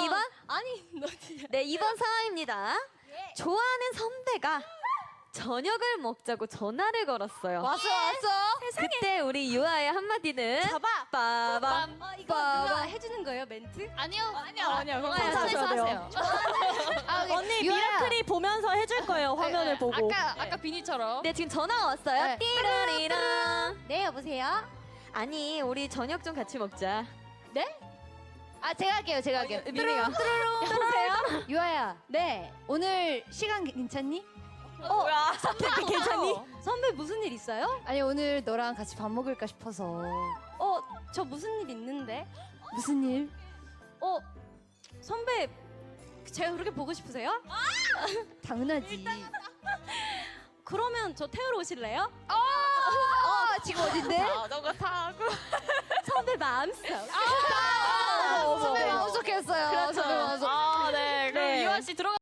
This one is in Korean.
2번? 아니 너 진짜. 네, 2번 상황입니다. 좋아하는 선배가 저녁을 먹자고 전화를 걸었어요. 왔어. 그때 우리 유아의 한마디는 잡아. 빠밤. 이거 누가 해주는 거예요 멘트? 아니요. 아니요. 그럼 네, 혼자서 하세요. 언니 미라클이 보면서 해줄 거예요. 화면을 보고. 아까 비니처럼. 네, 지금 전화가 왔어요. 네. 띠로리랑. 네 여보세요. 아니, 우리 저녁 좀 같이 먹자. 네? 아 제가 할게요. 미미가. 여보세요. 유아야. 네. 오늘 시간 괜찮니? 뭐야? 선배 괜찮니? 선배 무슨 일 있어요? 아니 오늘 너랑 같이 밥 먹을까 싶어서. 저 무슨 일 있는데? 무슨 일? 선배 제가 그렇게 보고 싶으세요? 당연하지. 그러면 저 태우러 오실래요? 지금 어딘데? 자전거 타고. 선배 마음속. 선배 마음속 했어요. 그렇죠. 선배 마음속. 네. 그럼 네. 유아 씨 들어가.